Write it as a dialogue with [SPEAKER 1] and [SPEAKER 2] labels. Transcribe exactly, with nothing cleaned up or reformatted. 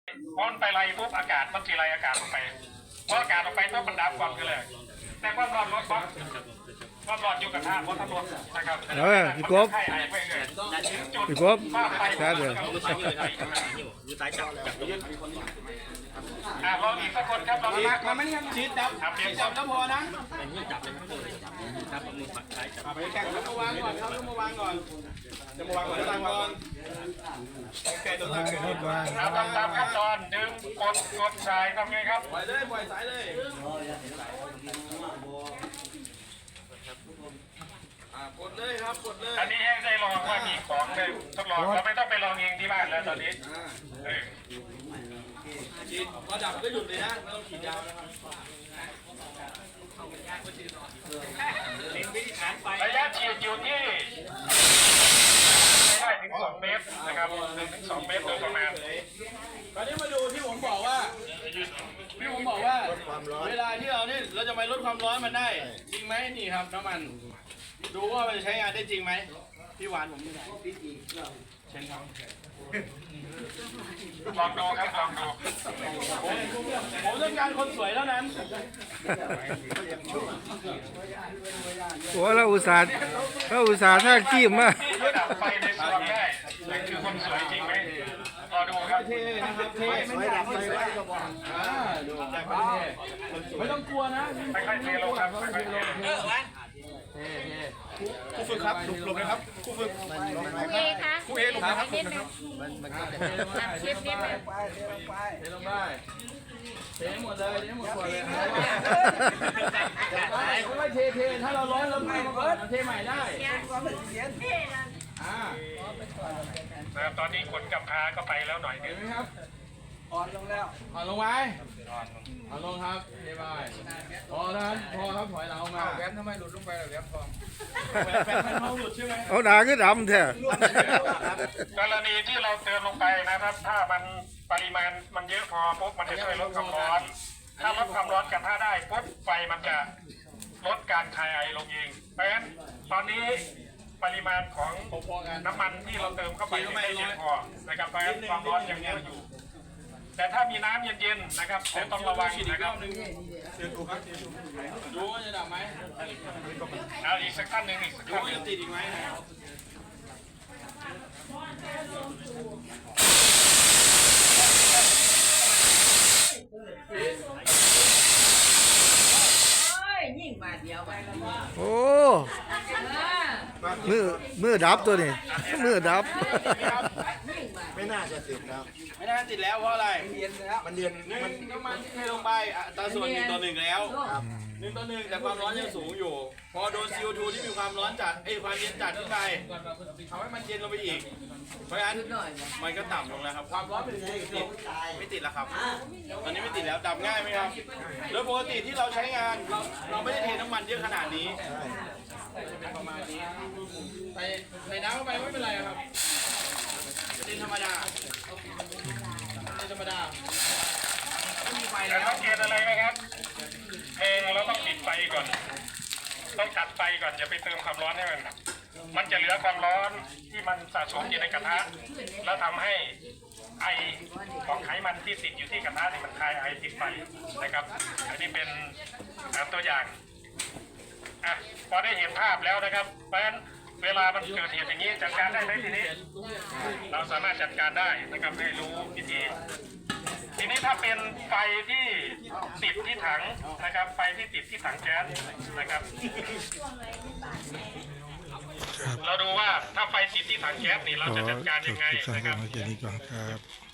[SPEAKER 1] พอมันไปไล่ปุ๊บอากาศมันทีไรอากาศออกไปพออากาศออกไปปุ๊บมันดับก่อนกันเลยแต่ความร้อนลดปั๊บความร้อนอยู่กับท่าเพราะทั้งหมดนะครับเออพี่กบ
[SPEAKER 2] พี่กบใช่เลย
[SPEAKER 1] อ่าลองอีกสักคนครับลองมา
[SPEAKER 3] มาไม่ได้ชีดจับชีดจับแล้วพอนะไปแข่งแล้วมาวางก่อนครับมาวางก่อนจะมาวางก่อนจะวางก่อนแกะตัวตั้งแกะตัววาง
[SPEAKER 1] ทำตามขั้นตอนดึงกดกดสายทำไงครับ
[SPEAKER 3] ปล่อยเลยปล่อยสายเลยกดเลยครับกดเลย
[SPEAKER 1] อันนี้ให้ได้ลองว่ามีของเลยทดลองเราไม่ต้องไปลองเองที่บ้านแล้วตอนนี้
[SPEAKER 3] ฉีดพอดับก็หยุดเลยนะไม่ต้องฉีดยาวนะครับ
[SPEAKER 1] ระยะฉีดอยู่ที่ไม่ได้ถึงสองเมตรนะครับหนึ่งถึงสองเมตรโดยประมาณ
[SPEAKER 3] ตอนนี้มาดูที่ผมบอกว่าที่ผมบอกว่าเวลาที่เราเนี่ยเราจะไปลดความร้อนมันได้จริงไหมนี่ครับน้ำมันดูว่ามันจะใช้งานได้จริงไหมพี่หวานผมนี่ไหนพี่จีเช่นครับ
[SPEAKER 1] ลองดูครับลองดู
[SPEAKER 3] ผมผมต้องการคนสวยเท่านั้น
[SPEAKER 2] โอ้เราอุตส่าห์เราอุตส่าห์ท่าขี้มาก
[SPEAKER 1] ดับไฟในสวนได้นั่นคือคนสวยจริงไหมรอดูครับ
[SPEAKER 3] เท่นะครับเท่ไม่ดับไฟไว้ก็บอกอ่าดูดับไฟเท่ไม่ต้องกลัวนะ
[SPEAKER 1] ค่อยๆเทลงครับค่อยๆเทลง
[SPEAKER 3] เท่เท่ครูฝึกครับหลบหลบเลยครับครูฝึก
[SPEAKER 4] ครูเอคะ
[SPEAKER 3] ครูเอหลบนะครับ
[SPEAKER 4] นิดนึงทำคลิปนิดนึง
[SPEAKER 3] เทลงไปเทหมดเลยเทหมดขวดเลยไม่เทเทถ้าเราร้อนเราไม่เปิดเทใหม่ได้อ่า
[SPEAKER 1] นะครับตอนนี้ขนกับพาก็ไปแล้วหน่อยนึง
[SPEAKER 3] ครับอ่อนลงแล้วอ่อนลงไหมอ่อนลงครับเทไปพอท่านพอครับถอยหลังมาแหวนทำไมหลุดลงไปแหวนทองแหวนทองหลุดใช่ไหม
[SPEAKER 2] เอาด่าขึ้นดำแท้
[SPEAKER 1] กรณีที่เราเติมลงไปนะครับถ้ามันปริมาณมันเยอะพอปุ๊บมันจะช่วยลดความร้อนถ้าลดความร้อนกับผ้าได้ปุ๊บไฟมันจะลดการคายไอลงเองเพราะฉะนั้นตอนนี้ปริมาณของน้ำมันที่เราเติมเข้าไปไม่เพียงพอนะครับเพราะฉะนั้นความร้อนยังเยอะอยู่แต่ถ้ามีน้ำเย็นๆนะครับแต่ต้องระวังนะครับ
[SPEAKER 3] ดูว่าจะดับไหม
[SPEAKER 1] เอาอีกสักขั้นหนึ่งอีกสักขั้นหนึ่ง
[SPEAKER 3] ติดอีกไหม
[SPEAKER 2] โอ้มือมือดับตัวนี้มือดับ
[SPEAKER 5] ไม่น่าจะติดแล้ว
[SPEAKER 3] ไม่น่าติดแล้วเพราะอะไร
[SPEAKER 5] มันเรียนแล้วมันเรียน
[SPEAKER 3] มันน้ำมันที่เทลงไปอัตราส่วนหนึ่งต่อหนึ่งแล้วหนึ่งต่อหนึ่งแต่ความร้อนยังสูงอยู่พอโดน ซี โอ ทู ที่มีความร้อนจัดไอ้ความเย็นจัดขึ้นไปทำให้มันเย็นลงไปอีกเพราะฉะนั้นมันก็ต่ำลงแล้วครับความร้อนเป็นยังไงติดไม่ติดแล้วครับตอนนี้ไม่ติดแล้วดับง่ายไหมครับแล้วปกติที่เราใช้งานเราเราไม่ได้เทน้ำมันเยอะขนาดนี้จะเป็นประมาณนี้ใส่ใส่น้ำเข้าไปไม่เป็นไรครับเป็นธรรมดาเป็นธรรมดาไม่มีไฟ
[SPEAKER 1] แล้วต้องเกณฑ์อะไรไหมครับเองเราต้องปิดไฟก่อนต้องตัดไฟก่อนอย่าไปเติมความร้อนให้มันมันจะเหลือความร้อนที่มันสะสมอยู่ในกระทะแล้วทำให้ไอของไขมันที่ติดอยู่ที่กระทะนี่มันคายไอติดไฟนะครับอันนี้เป็นตัวอย่างอ่ะพอได้เห็นภาพแล้วนะครับเพราะฉะนั้นเวลามันเกิดเหตุอย่างนี้จัดการได้ไหมทีนี้เราสามารถจัดการได้นะครับให้รู้วิธีทีนี้ถ้าเป็นไฟที่ติดที่ถังนะครับไฟที่ติดที่ถังแก๊สนะครับเราดูว่าถ้าไฟติดที่ถังแก๊สนี่เราจะจัดการยังไงนะครับ